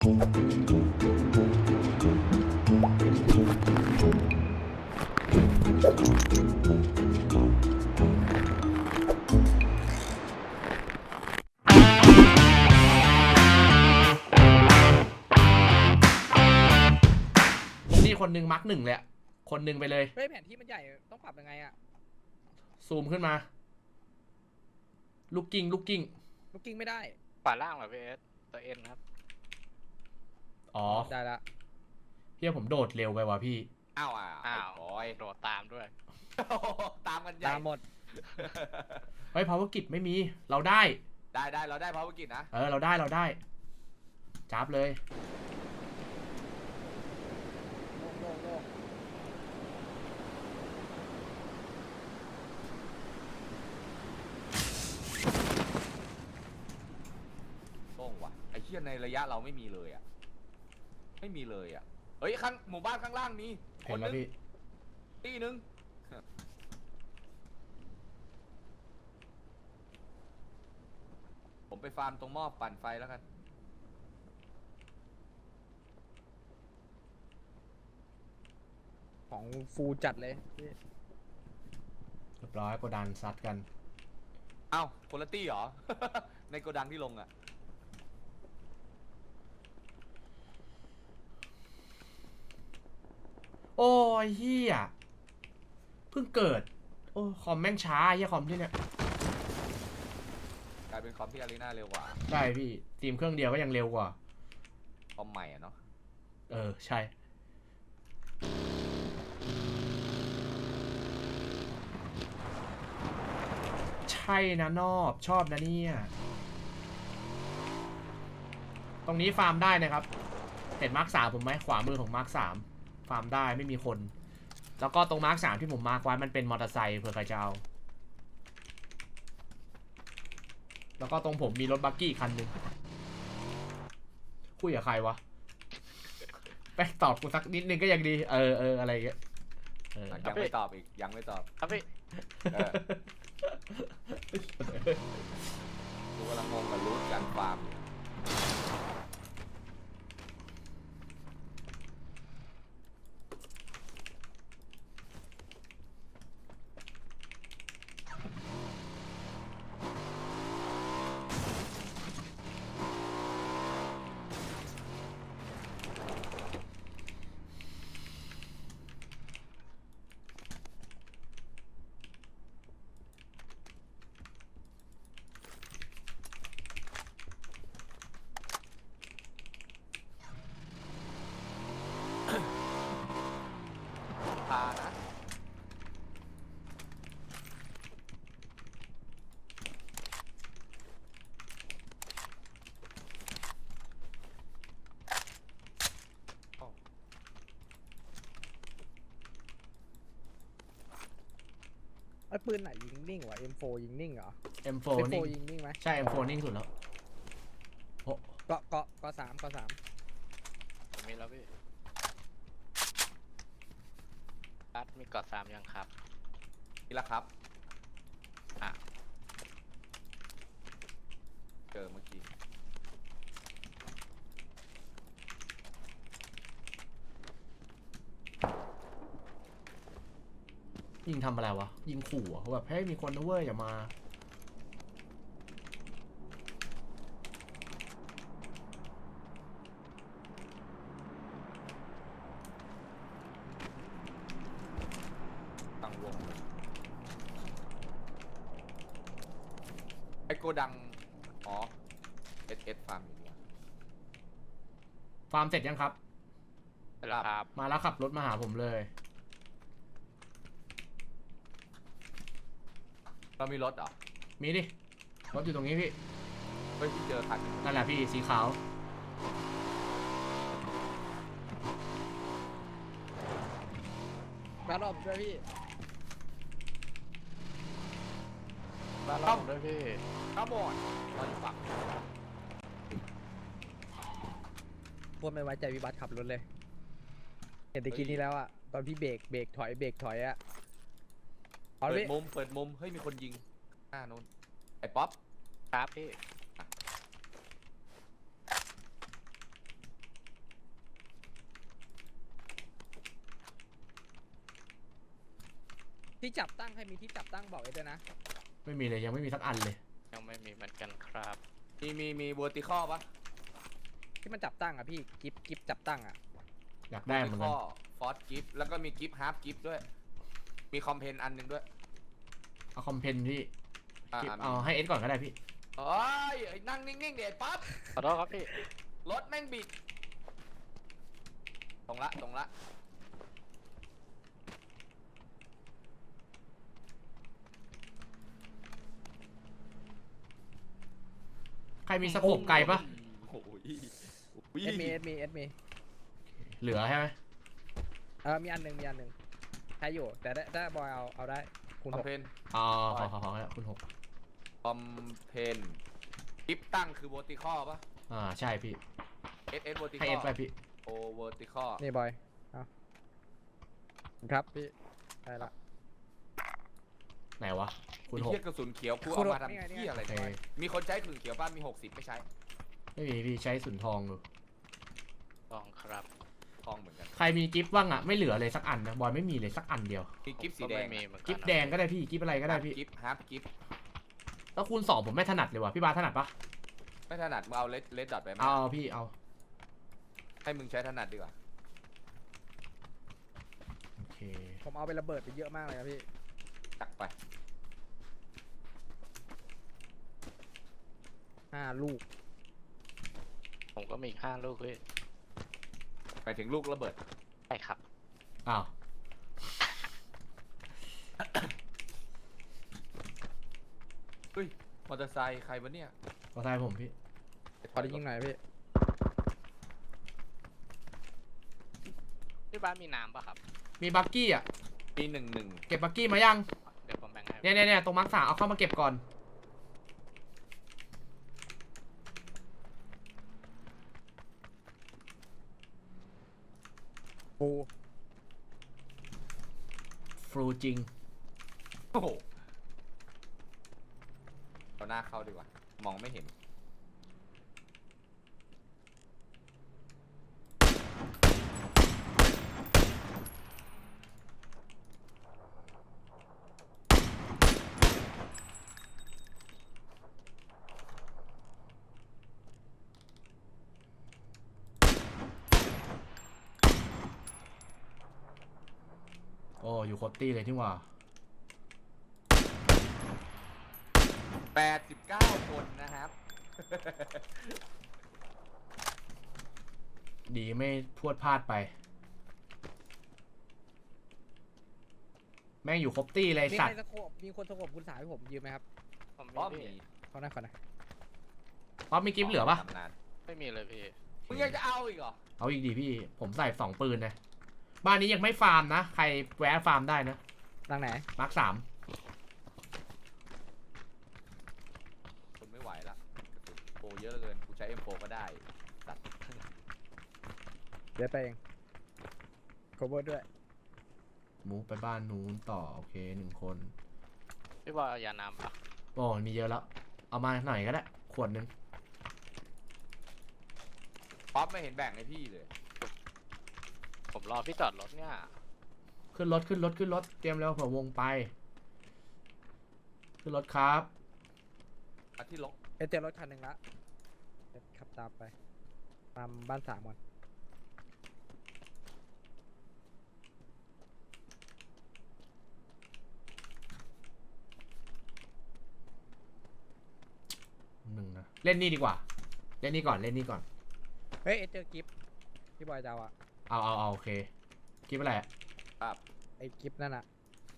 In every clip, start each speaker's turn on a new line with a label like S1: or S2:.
S1: นี่คนหนึ่งมาร์กหนึ่งเลยอะคนหนึ่งไปเลย
S2: เฮ้ยแผนที่มันใหญ่ต้องปรับยังไงอะ
S1: ซูมขึ้นมาลูกกิ้งลูกกิ้ง
S2: ลูกกิ้งไม่ได้
S3: ขวาล่างเหรอพี่เอสตัวเอ็นครับ
S1: อ๋อ
S2: ได้ละ
S1: เฮียผมโดดเร็วไปว่ะพี่
S3: อ้าวบอยโดดตามด้วยตามกันใหญ่
S2: ตามหมด
S1: เฮ้ยภาวกิจไม่มีเราได้
S3: เราได้ภาวกิจนะ
S1: เราได้จับเลย
S3: โล่งว่ะไอ้เชี่ยในระยะเราไม่มีเลยอ่ะไม่มีเลยอ่ะเฮ้ยข้างหมู่บ้านข้างล่างมีคนนึงตีนึงผมไปฟาร์มตรงหม้อปั่นไฟแล้วกัน
S2: ของฟูจัดเลย
S1: เรียบร้อยโกดันซัดกัน
S3: เอ้าคนละตี้เหรอ ในโกดังที่ลงอ่ะ
S1: โอ้ยเฮียเพิ่งเกิดโอ้คอมแม่งช้าเฮียคอมที่เนี่ย
S3: กลายเป็นคอมที่อารีนาเร็วกว่า
S1: ใช่พี่ทีมเครื่องเดียวก็ยังเร็วกว่า
S3: คอมใหม่อ่ะเนาะ
S1: ใช่ใช่นะนอบชอบนะเนี่ยตรงนี้ฟาร์มได้นะครับเห็นมาร์ค 3ผมไหมขวามือของมาร์ค 3ฟาร์มได้ไม่มีคนแล้วก็ตรงมาร์ค 3ที่ผมมาร์คไว้มันเป็นมอเตอร์ไซค์เผื่อใครจะเอาแล้วก็ตรงผมมีรถบักกี้คันหนึ่งคุยกับใครวะไปตอบกูสักนิดนึงก็ยังดีอะไรอย่างเงี้ย
S3: ยังไม่ตอบอีกยังไม่ตอบครับพี่กูกำลังงงกับรูทการฟาร์มพานะ
S2: ไอ้ปืนไหนยิงนิ่งวะ M4 ยิงนิ่งเหรอ
S1: M4
S2: M4
S1: นิ่ง
S2: ยิงนิ่งไหม
S1: ใช่ M4 นิ่งสุดแล้ว
S2: เกาะ3
S3: มีแล้วพี่รัดมีเกาะ3ยังครับมีแล้วครับเจอเมื่อกี้
S1: ยิงทำอะไรวะยิงขู่เขาแบบให้มีคนนะเว้ยอย่ามา
S3: ตั้งวงไอโกดังอ๋อ SS ฟาร์มอยู่เนี่ย
S1: ฟาร์มเสร็จยังครับ
S3: ครับ
S1: มาแล้วขับรถมาหาผมเลย
S3: เรามีรถเหรอ
S1: มีดิรถอยู่ตรงนี้พี่
S3: เฮ้ยที่เจอคัน
S1: นั่นแหละพี่สีขาว
S2: บ้านรอบด้วยพี่
S3: บ้านรอบด้วยพี่ข้าวบอนเราอยู่ฝั่ง
S2: พวกไม่ไว้ใจวิบัติขับรถเลยเห็นตะกี้นี้แล้วอะตอนพี่เบรกถอยอะ
S3: เปิดมุมเฮ้ยมีคนยิงโน้นไอ้ป๊อปครับพี่
S2: ที่จับตั้งใครมีที่จับตั้งบอกไอ้ด้วยนะ
S1: ไม่มีเลยยังไม่มีสักอันเลย
S4: ยังไม่มีเหมือนกันครับ
S3: มีเวอร์ติคอลปะ
S2: ที่มันจับตั้งอ่ะพี่กิฟจับตั้งอ่ะ
S1: อยากได้เหมือนกัน
S3: ฟอร์ดกิฟแล้วก็มีกิฟฮาร์ฟกิฟด้วย มีคอมเพนอันหนึงด้วย
S1: เอาคอมเพนพี่
S3: อ่า
S1: เอาให้เอสก่อนก็ได้พี่
S3: เอ้ยไอ้นั่งนิ่งๆเดี๋ยวไอ้ปั๊บ
S4: ขอโทษครับพี่
S3: รถแม่งบิดตรงละ
S1: ใครมีสโคปไกลปะ
S3: โอ้ย
S2: เอสมี
S1: เหลือใช่ไหม
S2: มีอันหนึ่งใช้อยู่แต่ได้บอยเอาได้คูณ
S3: คอ
S2: ห
S3: ม
S2: ก
S3: เพน
S1: อ๋อขอแล้วคุณ6
S3: คอมเพนกิฟตั้งคือเวอร์ติคอลปะ
S1: ใช่พี่
S3: SS เวอร์ติค
S1: ให้
S3: อ
S1: เอ
S3: ล
S1: สไปพี่
S3: โอเวอร์ติคอล
S2: นี่บอยเอาครับพี่ได้ละ
S1: ไหนวะคุณ
S3: ไอ้
S1: 6
S3: เหี้ยกระสุนเขียวกู
S2: คุณ
S3: เอา
S2: หก
S3: มาทำ
S2: นี่ไง
S3: เหี้ยอะไร
S1: โอเค
S3: เนี่ยมีคนใช้กระสุนเขียวป่ะมี60ไม่ใช้
S1: ไม่มีพี่ใช้สุนทองอยู่
S4: ลองครับ
S3: ทองเหมือนกัน
S1: ใครมีกิฟต์บ้างอะไม่เหลือเลยสักอันนะบอยไม่มีเลยสักอันเดียว
S3: มีกิฟสี
S4: ก็
S3: แด
S4: ไม่
S3: ง
S4: มีเหมือนกัน
S1: กิฟต์แดงก็ได้พี่กิฟต์อะไรก็ได้พี่
S3: กิฟฮาร์ฟกิฟ
S1: แล้วคูณ2ผมไม่ถนัดเลยว่ะพี่บาสถนัดปะ
S3: ไม่ถนัดมึงเอาเลดดอทไปไหม
S1: เอาพี่เอา
S3: ให้มึงใช้ถนัดดีกว่า
S1: โอเค
S2: ผมเอาไประเบิดไปเยอะมากเลยครับพี่
S3: ตักไป
S2: 5 ลูก
S4: ผมก็มีอีก5 ลูกพี่
S3: ไปถึงลูกระเบิด
S4: ใช่ครับ
S1: อ้าว
S3: เฮ้ยมอเตอร์ไซค์ใครวะเนี่ย
S1: ขอทายผมพี่
S2: ขอได้ยิงหน่อยพี่
S4: พี่บ้านมีน้ำป่ะครับ
S1: มีบักกี้อะ
S3: ปี11
S1: เก็บบักกี้มายัง
S4: เดี๋ยวผมแบ่งให้
S1: เนี่ยตรงมาร์ค3เอาเข้ามาเก็บก่อน
S2: ปู
S1: ฟรูจริง
S3: โอ้โหเอาหน้าเข้าดีกว่า มองไม่เห็น
S1: โอ้อยู่โคตรตี้เลยที่ว่า
S3: 89 คนนะครับ
S1: ดีไม่พรวดพลาดไป แม่งอยู่ครบตี้เลย
S2: มี
S1: สั
S2: ใค
S1: ต
S2: ร
S1: ว์
S2: สโคบมีคนสโคบคุณสายให้ผมยืมไหมครับ
S4: ผม
S3: เพราะ
S4: มี
S3: มี
S4: พี่
S2: เขาหน้าก่อนนะ
S1: ป๊อปมีกิฟต์เหลือปะ
S3: ทำนาน
S4: ไม่มีเลยพี่
S3: มึงยังจะเอาอีกเหรอ
S1: เอาอีกดีพี่ผมใส่2 ปืนนะบ้านนี้ยังไม่ฟาร์มนะ ใครแวะฟาร์มได้นะ
S2: ดังไหน
S1: มาร์ค3
S3: คนไม่ไหวละกระสุนโปเยอะเหลือเกิน กูใช้ M4 ก็ได้ตัด
S2: เดี๋ยวไปเอง cover ด้วย
S1: มูฟไปบ้านนู้นต่อโอเค1 คน
S4: พี่บอยเอายาน้ำป่ะ
S1: โอ้มีเยอะแล้ว เอามาหน่อยก็ได้ ขวดนึง
S3: ป๊อปไม่เห็นแบ่งให้พี่เลย
S4: ผมรอพี่จอดรถเนี่ย
S1: ขึ้นรถเตรียมแล้วเผื่อวงไป ขึ้นรถครับ
S3: มาที่ลก
S2: เจอรถคันหนึ่งละเดี๋ยวขับตามไป ตามบ้าน3ก่อน
S1: 1นะเล่นนี่ดีกว่า เล่นนี่ก่อน
S2: เฮ้ยเจอกิฟต์พี่บอยจะเอาอะ
S1: เอาโอเคกิฟอะไรอะ
S3: ครับ
S2: ไอ้กิฟต์นั่นอะ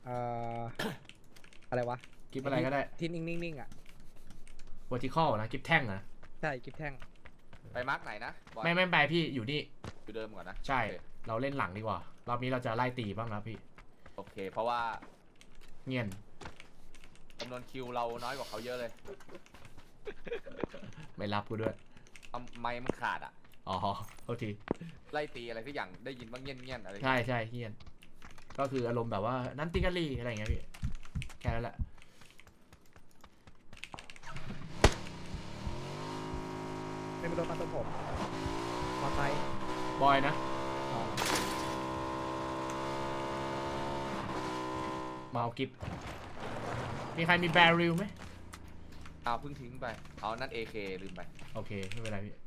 S2: อะไรวะ
S1: กิฟอะไรก็ได้
S2: ที่นิ่งๆอะ
S1: vertical นะกิฟแท่งนะ
S2: ใช่กิฟต์แท่ง
S3: ไปมาร์กไหนนะบอย
S1: ไม่ไปพี่อยู่นี่
S3: อยู่เดิมก่อนนะ
S1: ใช่
S3: โอเค
S1: เราเล่นหลังดีกว่า รอบนี้เราจะไล่ตีบ้างนะพี่
S3: โอเค เพราะว่า
S1: เงียน
S3: จำนวนคิวเราน้อยกว่าเขาเยอะเลย
S1: ไม่รับกูด้วย
S3: ทำไมมันขาดอ่ะ
S1: อ๋อโทษที
S3: ไล่ตีอะไรสักอย่างได้ยินบ้างเงี้ยนๆอะไร
S1: ใช่เงียนก็คืออารมณ์แบบว่านั่นติกาลีอะไรอย่างเงี้ยพี่แค่นั้นแหละ
S2: ไม่เป็นรถมาตรงผมมอไซค์
S1: บอยนะ
S2: อ๋อ
S1: มาเอากิฟมีใครมีแบริลไหม
S3: เอาเพิ่งทิ้งไปเอานั่น AK ลืมไป
S1: โอเคไม่เป็นไรพี่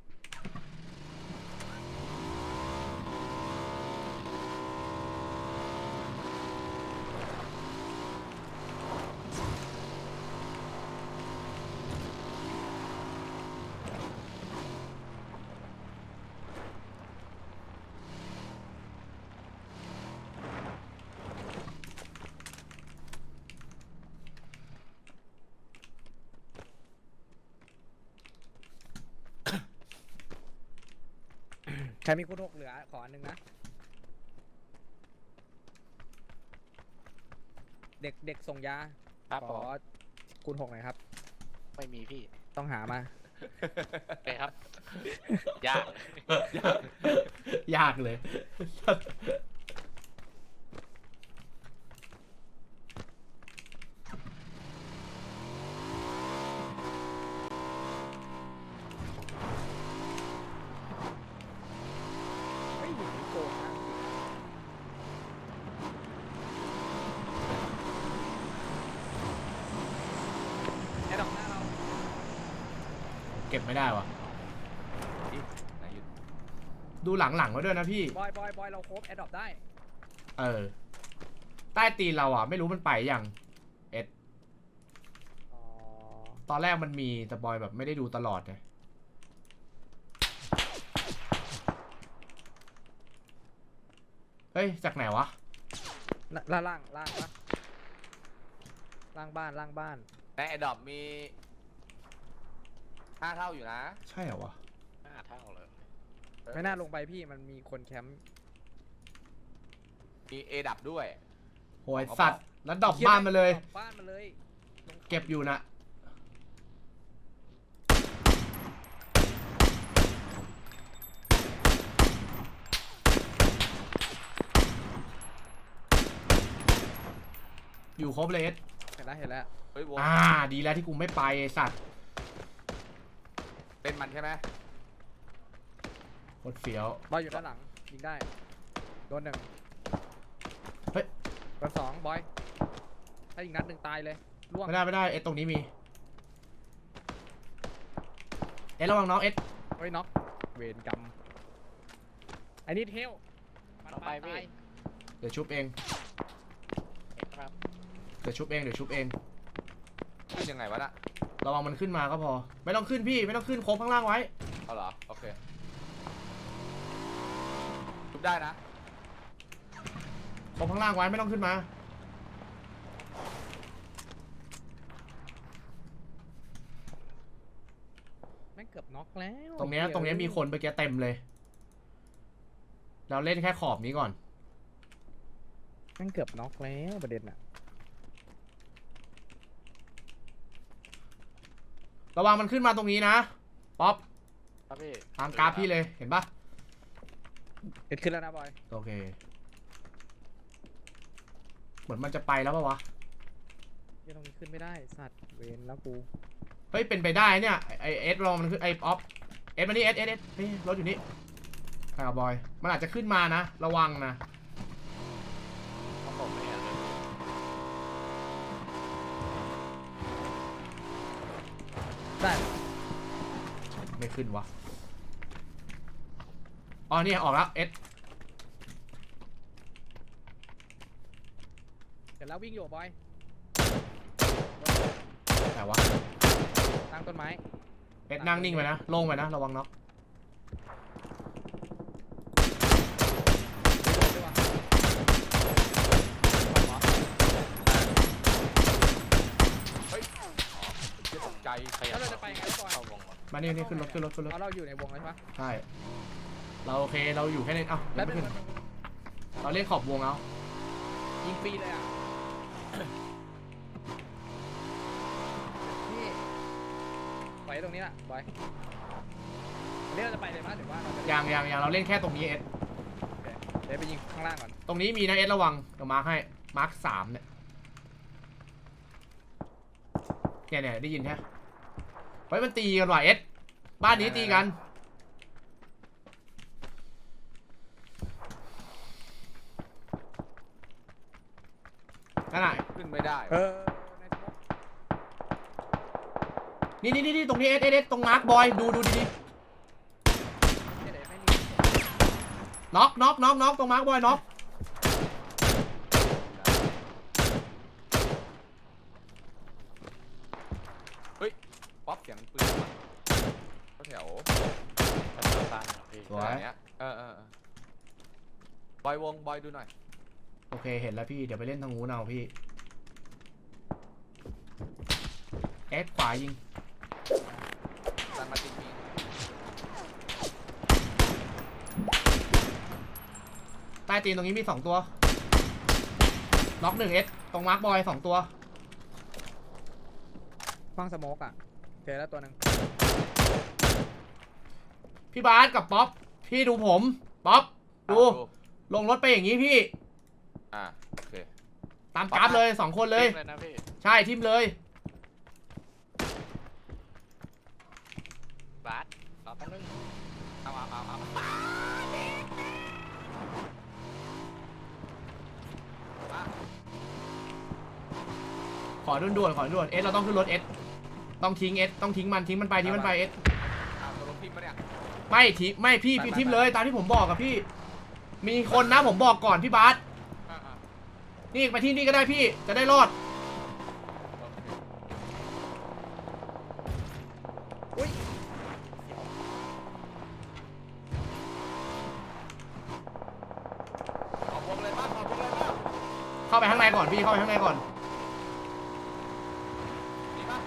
S2: ใครมีคุณหกเหลือขออันนึงนะเด็กส่งยา
S4: ครับ
S2: ข
S4: ผ
S2: อ
S4: ม
S2: คุณหกหน่อยครับ
S4: ไม่มีพี่
S2: ต้องหามา
S4: โอเคครับ ยาก
S1: ยากเลย
S2: ไม่อยู่ที่โกงนะไอ้ดอกหน้าเรา
S1: เก็บไม่ได้วะ
S3: ไหนอยู่
S1: ดูหลังๆไว้ด้วยนะพี่
S2: บอยเราโคบแอดดอปได้
S1: เออ ใต้ตีนเราอ่ะ ไม่รู้มันไปยังเอ็ด
S2: อ๋อ
S1: ตอนแรกมันมีแต่บอยแบบไม่ได้ดูตลอดไงเฮ้ย จากไหนวะ
S2: ล่างปะล่างบ้าน
S3: ในไอ้ดอบมี5 เท่าอยู่นะ
S1: ใช่เหรอวะ
S4: 5 เท่าเลย
S2: ไม่น่าลงไปพี่มันมีคนแคมป์
S3: มี A ดับด้วย
S1: โหยสัตว์ แล้วดรอปบ้านมาเลย
S2: ดรอปบ้านมาเลยลง
S1: เก็บอยู่นะ อยู่ครบเลยเอ็ด
S2: เห็นแล้ว
S3: เฮ้ยวง
S1: ดีแล้วที่กูไม่ไปไอ้สัตว์
S3: เป็นมันใช่ไหม
S1: โคตรเฟี้ยว
S2: บอยอยู่ด้านหลังยิงได้โดนหนึ่ง
S1: เฮ้ย
S2: โดนสองบอยถ้าอีกนัดหนึ่งตายเลยล่วง
S1: ไม่ได้เอ็ดตรงนี้มี เอ็ดระวังน้องเอ็ด
S2: เฮ้ยน็อกเวรกรรมไอ้นี่เทลมัน
S4: ต่อไปพี่
S2: ตาย
S1: เดี๋ยวชุบเอง
S4: ครับ
S1: เดี๋ยวชุบเอง
S3: ขึ้นยังไงวะน่ะ
S1: ระวังมันขึ้นมาก็พอ ไม่ต้องขึ้นพี่ ไม่ต้องขึ้นโค้งข้างล่างไว้
S3: เอาเหรอ โอเคทุบได้นะ
S1: โค้งข้างล่างไว้ไม่ต้องขึ้นมา
S2: แม่งเกือบน็อกแล้ว
S1: ตรงเนี้ยมีคนไปแกเต็มเลย เราเล่นแค่ขอบนี้ก่อน
S2: แม่งเกือบน็อกแล้วประเด็นอะ
S1: ระวังมันขึ้นมาตรงนี้นะ ป๊อป
S4: ครับพี่
S1: ตามกราฟพี่เลย เห็นปะ
S2: เกิดขึ้นแล้วนะบอย
S1: โอเค เหมือนมันจะไปแล้วปะวะ
S2: ยังตรงนี้ขึ้นไม่ได้สัตว์เวรแล้วกู
S1: เฮ้ย เป็นไปได้เนี่ย ไอเอสลองมันขึ้นไอป๊อปเอสมานี่เอสนี่รถอยู่นี่ใครกับบอย มันอาจจะขึ้นมานะ ระวังนะ
S4: เพราะผมไม่เห็นเลย
S2: ได้
S1: ไม่ขึ้นวะ อ๋อเนี่ยออกแล้วเอส
S2: เดี๋ยวแล้ววิ่งอยู่บอย
S1: แต่วะ
S2: ตั้งต้นไม้
S1: เอสนั่งนิ่งไปนะโล่งไปนะ ระวังน็อก
S2: ไม่โดนด้วยวะ
S3: เฮ้ยอ๋อเชี่ยตกใจ
S4: ขยั
S2: แล้ว
S4: บ
S2: เราจะไปยังไงบอย
S4: เข้าวงหมด
S1: มานี่ขึ้นรถ
S2: เอาเราอยู่ในวงแล้วใช่ปะ
S1: ใช่ เราโอเค เราอยู่แค่นี้เอ้า
S2: แล้ว
S1: ไม่
S2: เป็น
S1: ขึ้น เราเล่นขอบวงเอา
S2: ยิงฟรีเลยอ่ะนี่ไปตรงนี้แหละบอยเรียกเราจะไปเลยมั้ยหรือว่าเราจะ
S1: ยังเราเล่นแค่ตรงนี้เอส
S2: เดี๋ยวไปยิงข้างล่างก่อน
S1: ตรงนี้มีนะเอสระวังเดี๋ยวมาร์คให้มาร์ค3เนี่ยได้ยินใช่ไหมเฮ้ยมันตีกันว่ะเอสบ้านนี้ตีกันนั่นน่ะ
S3: ขึ้นไม่ได้
S2: ในสมอง
S1: นี่ตรงนี้เอสตรงมาร์คบอยดูดี
S2: เนี่ยเดี๋ยวไม่มี
S1: ๆน็อกตรงมาร์คบอยน็อก
S3: เฮ้ยป๊อปเสียงปืนมาแถว
S4: ไปทางซ้ายครับพี่
S1: สวย
S3: เนี้ยบอยวงบอยดูหน่อย
S1: โอเคเห็นแล้วพี่เดี๋ยวไปเล่นทางนู้นเอาพี่เอสขวายิง
S3: ดันมาจริง
S1: ใต้ตีนตรงนี้มี2ตัวน็อก1เอสตรงมาร์คบอย2ตัว
S2: ฟังสโมกอ่ะเจอแล้วตัวหนึ่ง
S1: พี่บาสกับป๊อปพี่ดูผมป๊อปดูลงรถไปอย่างนี้พี่
S3: โอเค
S1: ตามกราฟเลย2คนเลย
S4: เลยนะพี่
S1: ใช่ทิมเลย
S4: บาสรอแป๊บนึง
S3: เอามา
S1: ขอด่วนเอสเราต้องขึ้นรถเอสต้องทิ้งเอสต้องทิ้งมันไปเอส
S3: ตัวลงพิมพ์มาเนี่ย
S1: ไม่พี่ทิมเลยตามที่ผมบอกกับพี่ มีคนนะผมบอกก่อนพี่บาสนี่ไปที่นี่ก็ได้พี่จะได้รอด
S2: อุ้ย
S3: ขอบวงเลยป่ะ
S1: เข้าไปข้างในก่อนพี่เข้าไปข้างในก่อน
S3: ดีป่ะ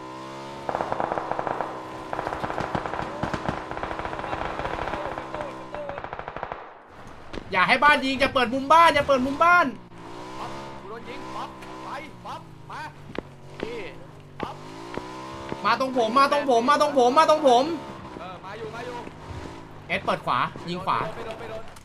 S1: อย่าให้บ้านยิงจะเปิดมุมบ้าน
S3: ป๊อปกูโดนยิงป๊อปไปป๊อปมา
S4: พี่
S3: ป๊อป
S1: มาตรงผมมาตรงผม
S3: มาอยู่
S1: เอสเปิดขวายิงขวา
S3: ไม่โดน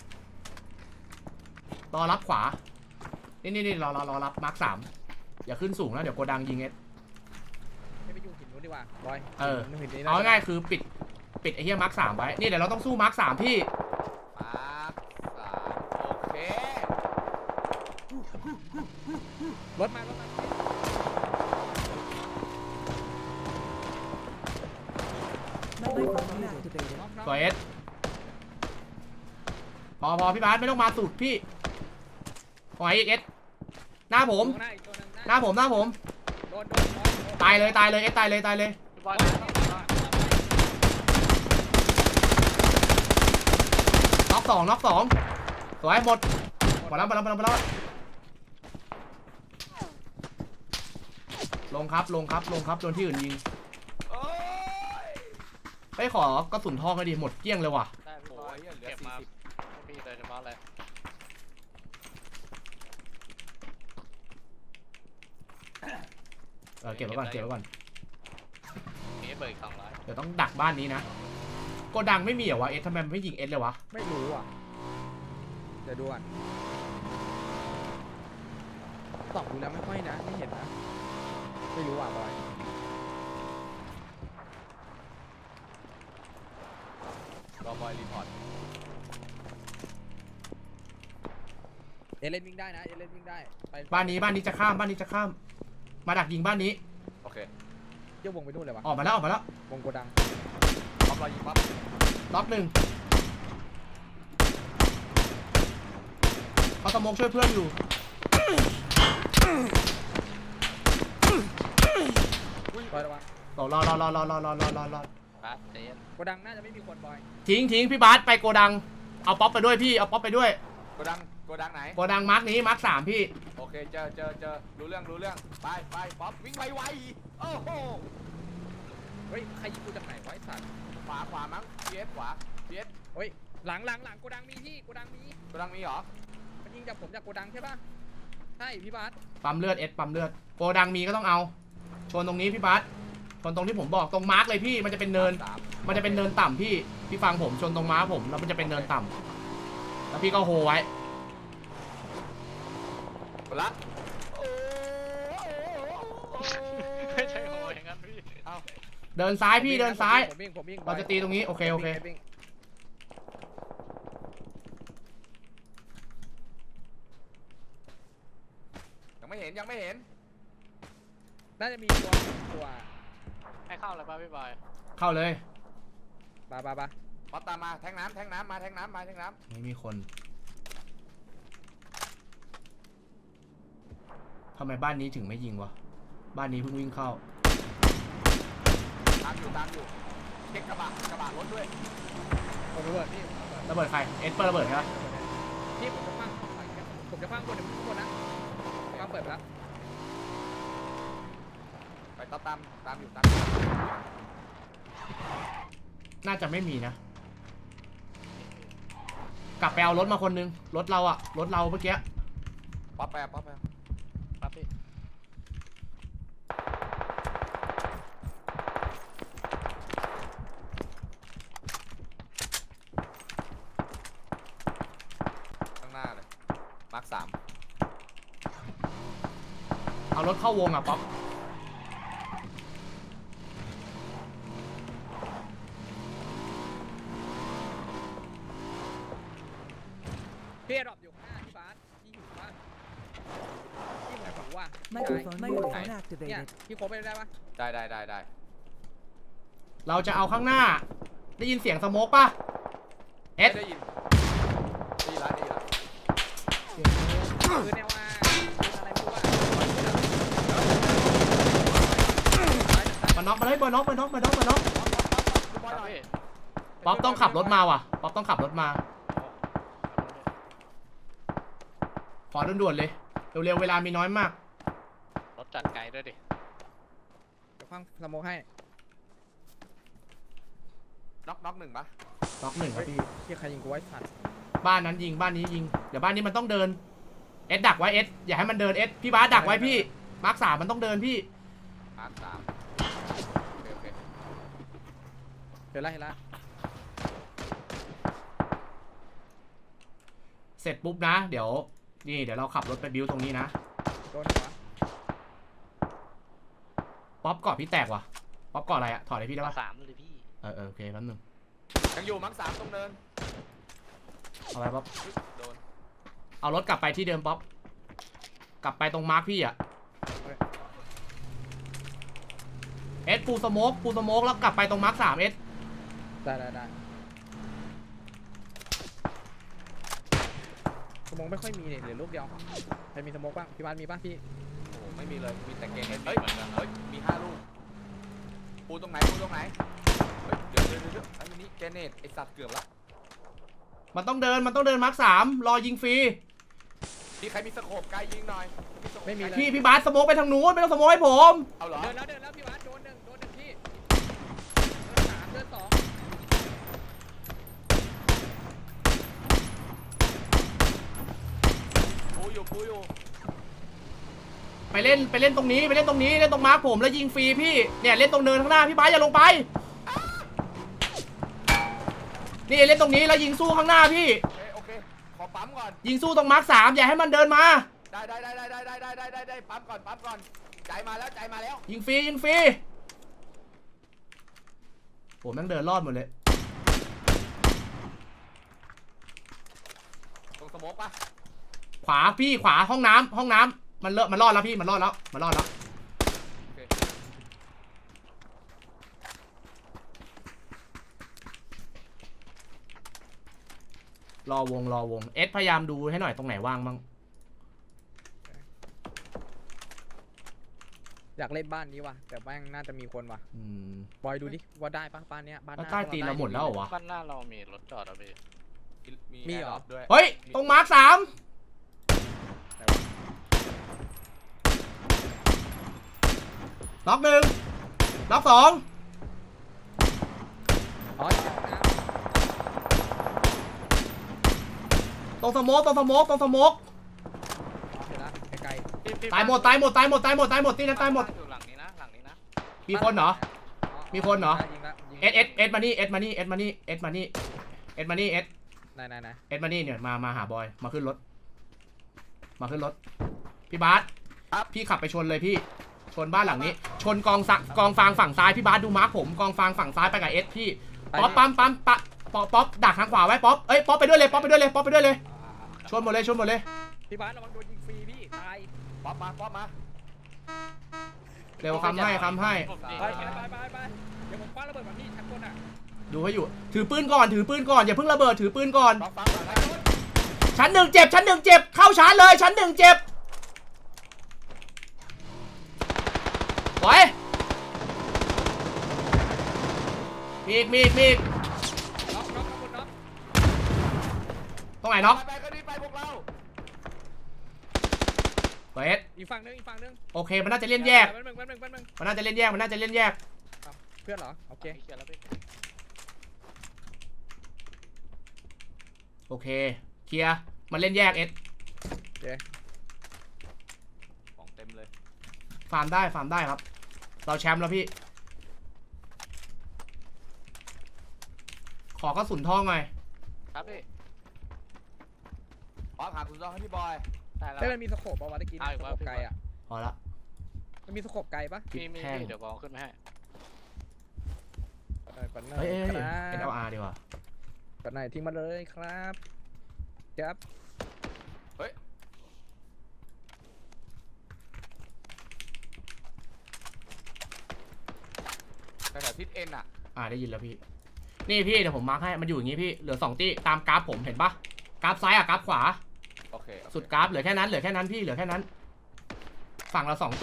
S1: รอรับขวานี่รอรับมาร์ค3อย่าขึ้นสูงแล้วเดี๋ยวโกดังยิงเอส
S2: ไม่ไปอยู่หินนู้นดีกว่าบอย หินนี้
S1: เอาง่ายๆคือปิดไอ้เหี้ยมาร์ค3ไว้นี่เดี๋ยวเราต้องสู้มาร์ค3พี่
S3: มาโอเค
S2: รถมา
S5: Microphone activated.
S1: ตัวเอสพอพี่บาสไม่ต้องมาสุดพี่ปล่อยเอสหน้าผม
S2: หน้าอีกตัวหนึ่ง
S1: หน้าผม
S2: โดน
S1: ตายเลยเอสตายเลย
S4: พี่บอลนะ
S1: น็อกสองสวยหมดแล้วลงครับโดนที่อื่นยิง
S3: โอ้ย
S1: ไปขอกระสุนทองก็ดีหมดเกลี้ยงเลยว่ะ
S4: ได้พี่บอล
S3: โอ้ยเหลือ
S4: เก็บมา
S3: 40
S4: ให้พี่โดยเฉพาะเลย
S1: เก็บไว้ก่อน
S4: นี่เบิก200
S1: เดี๋ยวต้องดักบ้านนี้นะโกดังไม่มีเหรอวะเอสทำไมมันไม่ยิงเอสเลยวะ
S2: ไม่รู้อ่ะเดี๋ยวดูก่อนส่องดูแล้วไม่ค่อยนะไม่เห็นนะไม่รู้อ่ะบอย
S3: รอบอยรีพอร์ต
S2: เอเลนวิ่งได้นะเอเลนวิ่งได้ไป
S1: บ้านนี้จะข้ามมาดักยิงบ้านนี้
S3: โอเค
S2: เยี่ยววงไปนู่นเลยวะ
S1: ออกมาแล้ว
S2: วงโกดัง
S3: ป๊อปรอยิงป๊อป
S1: ล็อก1เขาสโมกช่วยเพื่อนอยู่
S2: บอยระวัง
S1: รอ
S4: บาสเจน
S2: โกดังน่าจะไม่มีคนบอย
S1: ทิ้งพี่บาสไปโกดังเอาป๊อปไปด้วยพี่เอาป๊อปไปด้วย
S3: โกดังไหน
S1: โกดังมาร์คนี้มาร์ค3พี่
S3: โอเคเจอรู้เรื่องไปป๊อปวิ่งไวๆโอ้โห
S2: เฮ้ยใครยิงกูจากไหนวะไอ้สัตว์
S3: ขวามั้งขวา
S2: เฮ้ยหลังโกดังมีพี่โกดังมี
S3: โกดังมีเหรอ
S2: มันยิงจากผมจากโกดังใช่ปะใช่พี่บาส
S1: ปั๊มเลือดโกดังมีก็ต้องเอาชนตรงนี้พี่บาสชนตรงที่ผมบอกตรงมาร์คเลยพี่มันจะเป็นเนิน มันจะเป็นเนินต่ำพี่ฟังผมชนตรงม้าผมแล้วมันจะเป็นเนินต่ำแล้วพี่ก็โฮไว้
S3: ละ
S4: ไม่ใช่โหอย่างนั้นพี่
S3: เอา
S1: เดินซ้ายพี่เดินซ้าย
S2: ผมวิ่ง
S1: เราจะตีตรงนี้โอเค
S2: วิ่ง
S3: ยังไม่เห็นยังไม่เห็น
S2: น่าจะมีตัว
S4: ให้เข้าเลยป่ะพี่บอย
S1: เข้าเลย
S2: บา
S3: ป๊อปตามมาแทงน้ำมาแทงน้ำ
S1: ไม่มีคนทำไมบ้านนี้ถึงไม่ยิงวะบ้านนี้เพิ่งวิ่งเข้า
S3: ตามอยู่เช็คกระบะรถด้วย
S2: ผมระเบิดพี่
S1: ระเบิดใครเอสเปิดระเบิดใช่ปะ
S2: พี่ผมจะพังคนเดี๋ยวทุกคนนะมาเปิดไปแล้ว
S3: ไปตามอยู่
S1: น่าจะไม่มีนะ กลับไปเอารถมาคนนึงรถเราอะรถเราเมื่อกี้
S3: ป๊อปไป
S4: ครับพี่
S3: ข้างหน้าเลยมาร์ค 3
S1: เอารถเข้าวงอะป๊อป
S2: พี่ดรอปอยู่ข้างหน้าพี่บาสพี่อยู่บ้านพี่หมายถึงว่า
S5: Microphone
S2: เนี่ย
S5: activated.
S2: พี่โคบไปได้ปะ
S3: ได้
S1: เราจะเอาข้างหน้า ได้ยินเสียงสโมกปะเอส
S3: ได้ยินดีละ
S2: คือแนวว่าอะไรไม่รู้ว่า
S1: มาน็อกมาเลยมาน็อก
S3: ดูบอล
S4: ค
S3: ห
S4: รับ
S3: น่อย
S4: พี่
S1: ป๊อปต้องขับรถมาว่ะป๊อปต้องขับรถมาขอด่วนๆเลยเร็วๆเวลามีน้อยมาก
S4: รถจัดไกลด้วยดิ
S2: เดี๋ยวฟังสโมกให้
S3: น็อก1ปะ
S1: น็อกหนึ่งครับพี่
S2: ที่ใครยิงกูไว้สัตว์
S1: บ้านนั้นยิงบ้านนี้ยิงเดี๋ยวบ้านนี้มันต้องเดินเอสดักไว้เอสอย่าให้มันเดินเอสพี่บาสดักไว้พี่มาร์ค3มันต้องเดินพี่
S3: มาร์ค 3โอเค
S2: เห็นละ
S1: เสร็จปุ๊บนะเดี๋ยวเราขับรถไปบิวตรงนี้นะ
S2: โดนหัว
S1: ป๊อปเกาะพี่แตกว่ะป๊อปเกาะอะไรอะถอดให้พี่ได้
S4: มา
S1: ปะ
S4: 3เลยพี่
S1: โอเคแป๊บนึง
S3: ยังอยู่มาร์ค 3ตรงเนิน
S1: เอาไปป๊อป
S3: โดน
S1: เอารถกลับไปที่เดิมป๊อปกลับไปตรงมาร์คพี่อะเอสปูสโมกแล้วกลับไปตรงมาร์ค3เอส
S2: ได้สโมกไม่ค่อยมีเนี่ยเหลือลูกเดียวใครมีสโมกบ้างพี่บาสมีป่ะพี่
S3: โอ้โหไม่มีเลยมีแต่เกมเฮ้ยมี5 ลูกปูตรงไหนเฮ้ยเดี๋ยวไอ้นี่เจเนตไอสัตว์เกือบละ
S1: มันต้องเดินมาร์ค3รอยิงฟรี
S3: มีใครมีสโคปไกลยิงหน่อย
S2: ไม่มีเลย
S1: พี่บาสสโมกไปทางนู้นไม่ต้องสโมกให้ผม
S3: เอาเหรอ
S2: เดินแล้วพี่บาสโดนหนึ่งพี่เดิน 3 เดิน 2
S3: ปูอยู่
S1: ไปเล่นตรงนี้เล่นตรงมาร์คผมแล้วยิงฟรีพี่เนี่ยเล่นตรงเนินข้างหน้าพี่บาสอย่าลงไปนี่เล่นตรงนี้แล้วยิงสู้ข้างหน้าพี่
S3: โอเคขอปั๊มก่อน
S1: ยิงสู้ตรงมาร์ค3อย่าให้มันเดินมา
S3: ได้ปั๊มก่อนใจมาแล้ว
S1: ยิงฟรีผมแม่งเดินรอดหมดเลย
S3: ตรงสโมกปะ
S1: ขวาพี่ขวาห้องน้ำมันรอดแล้วพี่มันรอดแล้ว
S3: โอเค
S1: รอวงเอสพยายามดูให้หน่อยตรงไหนว่างบ้าง
S2: อยากเล่นบ้านนี้ว่ะแต่แม่งน่าจะมีคนว่ะ
S1: ม
S2: บอยดูดิว่าได้ปะบ้านเนี้ยบ้านห
S1: แล้ว
S2: น้า
S1: ใต้ตีนเราหมดแล้วเหรอวะ
S4: บ้านหน้าเรามีรถจอดอ่ะพี่
S2: มีเหรอ
S3: แร์ดปด้วย
S1: เฮ้ยตรงมาร์ค3น็อก1น็อก2
S2: อ๋อ
S1: ตรงสโมก
S2: เห็นละไกล
S1: ตายหมดที่นั่นตายหมด
S4: อยู่หลังนี้นะ
S1: มีคนเหรอ
S2: ๆ
S1: มีคนเหรอ
S2: ยิงละ
S1: เอสมานี่เอสมานี่เนี่ยมาหาบอยมาขึ้นรถพี่บาสพี่ขับไปชนเลยพี่ชนบ้านหลังนี้ ชนกองฟางฝั่งซ้ายพี่บาสดูมาร์คผมกองฟางฝั่งซ้ายไปกับเอสพี่ป๊อปป๊อปดักทางขวาไว้ป๊อปป๊อปไปด้วยเลยชนหมดเลย
S2: พี่บาสระวังโดนยิงฟรีพี่ตาย
S3: ป๊อปมา
S1: เร็วค้ำให้ค้ำให้
S2: ไปเดี๋ยวผมคว้าระเบิดแบบนี้ชั้นบนอ่ะ
S1: ดูให้อยู่ถือปืนก่อนอย่าเพิ่งระเบิดถือปืนก่อน
S3: ป๊อปฟังก่อนนะ
S1: ชั้นหนึ่งเจ็บเข้าชาร์จเลยชั้นหนึ่งเจ็บไว้มีอีก
S2: น็อกข้างบนน็อก
S1: ตรงไหนน็อก
S3: ไปก็นี่ไปพวกเรา
S1: เปิด
S2: อีกฝั่งนึง
S1: โอเคมันน่าจะเล่นแยก
S2: แป๊บนึง
S1: มันน่าจะเล่นแยก
S2: เพื่อนเหรอโอเค
S4: เขียนแล้วพี่
S1: โอเคเคลียร์มันเล่นแยกเอส
S3: ของเต็มเลย
S1: ฟาร์มได้ครับ เราแชมป์แล้วพี่ ขอกระสุนทองหน่อย
S4: ครับพี่
S3: ป๊อปหาคุณซองให้พี่บอย
S4: ได้แล้ว
S2: เฮ้ยมันมีสโคปป่าวะตะกี้
S4: เอาอี
S2: ส
S4: ก
S2: โค
S4: ว่า
S2: ปไกลอ่ะ
S1: พอละ
S2: มันมีสโคปไกลปะ
S1: คิด
S4: มี
S1: แพง
S4: เดี๋ยวบอกขึ้นมาให้
S2: ปันหน่
S1: เฮ้ย
S2: ครับ
S1: NLR ดีกว่า
S2: ปันหน่ทิ้งมาเลยครับครับ
S3: แถวทิศเอ็นอ่ะ
S1: ได้ยินแล้วพี่ นี่พี่เดี๋ยวผมมาร์คให้มันอยู่อย่างงี้พี่เหลือ2ตี้ตามกราฟผมเห็นปะกราฟซ้ายกราฟขวา
S3: โอเค
S1: สุดกราฟเหลือแค่นั้นพี่เหลือแค่นั้น ฝั่งเรา2ตัว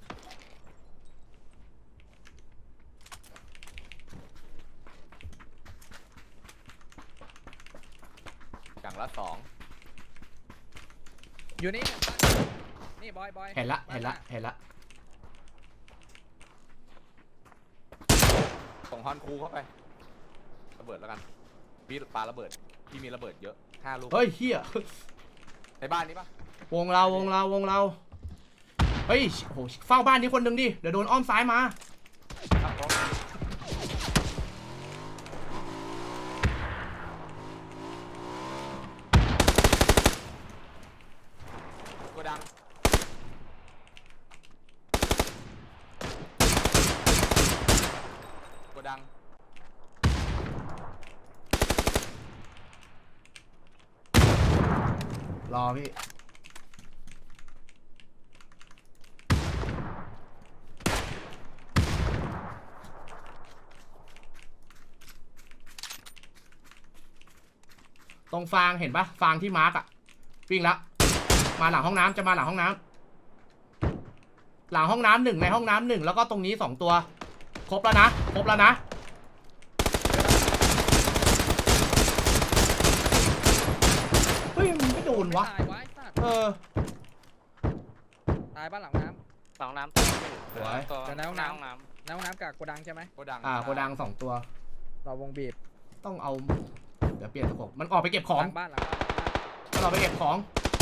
S3: อย่างละ
S2: อยู่นี่นี่บอย
S1: เห็นละ
S3: 2ส่งฮอนคูเข้าไประเบิดแล้วกันพี่ปาระเบิดพี่มีระเบิดเยอะ5 ลูก
S1: เฮ้ยเฮีย
S3: ในบ้านนี้ปะ
S1: วงเราเฮ้ยโหเฝ้าบ้านนี้คนหนึ่งดิเดี๋ยวโดนอ้อมซ้ายมา
S3: ครับผมโกดัง
S1: รอพี่ตรงฟางเห็นปะฟางที่มาร์กอะวิ่งละมาหลังห้องน้ำจะมาหลังห้องน้ำหลังห้องน้ำ1ในห้องน้ำ1แล้วก็ตรงนี้2ตัวครบแล้วนะเฮ้ยมันไม่โดนวะ
S2: ตายวะไอ้สัตว์ ตายบ้านหลังน้
S4: สองน้ำตัว
S1: สวย
S4: ตัว
S2: เดี๋ยวนะห้องน้ำ
S4: น้
S2: ำน้ำกับโกดังใช่ไหม
S3: โกดัง
S1: โกดัง2ตัว
S2: เราวงบีบ
S1: ต้องเอาเดี๋ยวเปลี่ยนสกบมันออกไปเก็บของ
S2: หลังบ้าน
S1: มันออกไปเก็บของ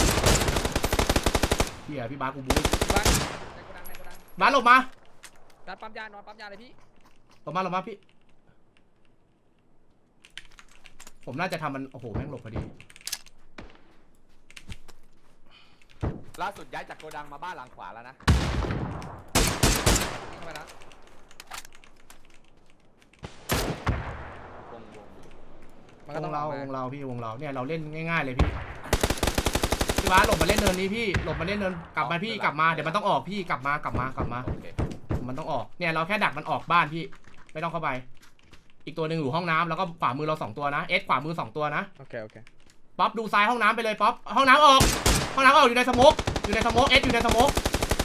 S1: เฮียพี่บาสกูบู๊
S2: บ้านในโกดัง
S1: บาสหลบมา
S2: ดันปั๊มยานอนปั๊มยาเลยพี่
S1: หลบมาพี่ผมน่าจะทำมันโอ้โหแม่งหลบพอดี
S3: ล่าสุดย้ายจากโกดังมาบ้านหลังขวาแล้วนะ
S2: เข้าไปแล้ว
S3: วง
S2: มันก็
S1: ว
S2: ต้อง
S1: งเรา
S2: ออกม
S1: พี่วงเราเนี่ยเราเล่นง่ายๆเลยพี่พี่บาสหลบมาเล่นเนินนี้พี่หลบมาเล่นเนินกลับมาพี่กลับมาเดี๋ยวมันต้องออกพี่กลับมา
S3: โอเค
S1: มันต้องออกเนี่ยเราแค่ดักมันออกบ้านพี่ไม่ต้องเข้าไป อีกตัวหนึ่งอยู่ห้องน้ำแล้วก็ขวามือเรา2ตัวนะเอสขวามือ2ตัวนะ
S2: โอเค
S1: ป๊อปดูซ้ายห้องน้ำไปเลยป๊อปห้องน้ำออกอยู่ในสโมกเอสอยู่ในสโมก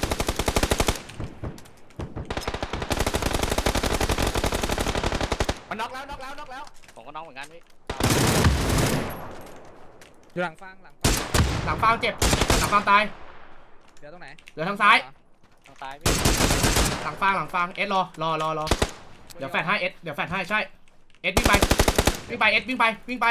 S3: มันน็อกแล้ว
S4: ำผมก็น้องเหมือนกันพี่
S2: อยู่หลังฟาง
S1: หลังฟางเจ็บหลังฟางตาย
S2: เดี๋ยวตรงไหน
S1: เหลือทางซ้าย
S4: ทางซ้ายพี่
S1: หลังฟางเอสรอเดี๋ยวแฟดให้เอสเดี๋ยวแฟดให้ใช่เอสวิ่งไปเอสวิ่งไป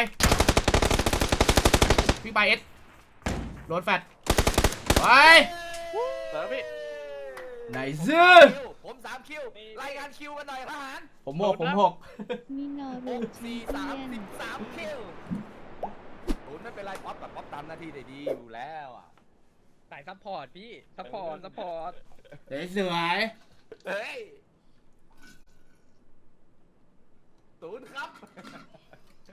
S1: เอสโดนแฟดไป
S4: เปิดพี่
S1: ไหนซื้อ
S3: ผม3 คิวรายงานคิวกันหน่อยทหาร
S1: ผมหก
S5: มินอรู
S3: 6
S5: ชี
S3: 4
S5: เปียน
S3: 3 13 คิวตูนไม่เป็นไรป๊อปกับป๊อปตามหน้าที่ได้ดีอยู่แล้วอ่ะ
S2: สายซัพพอร์ตพี่ซัพพอร์ต
S1: เดี๋ยวสวย
S3: เฮ้ยตูนครับ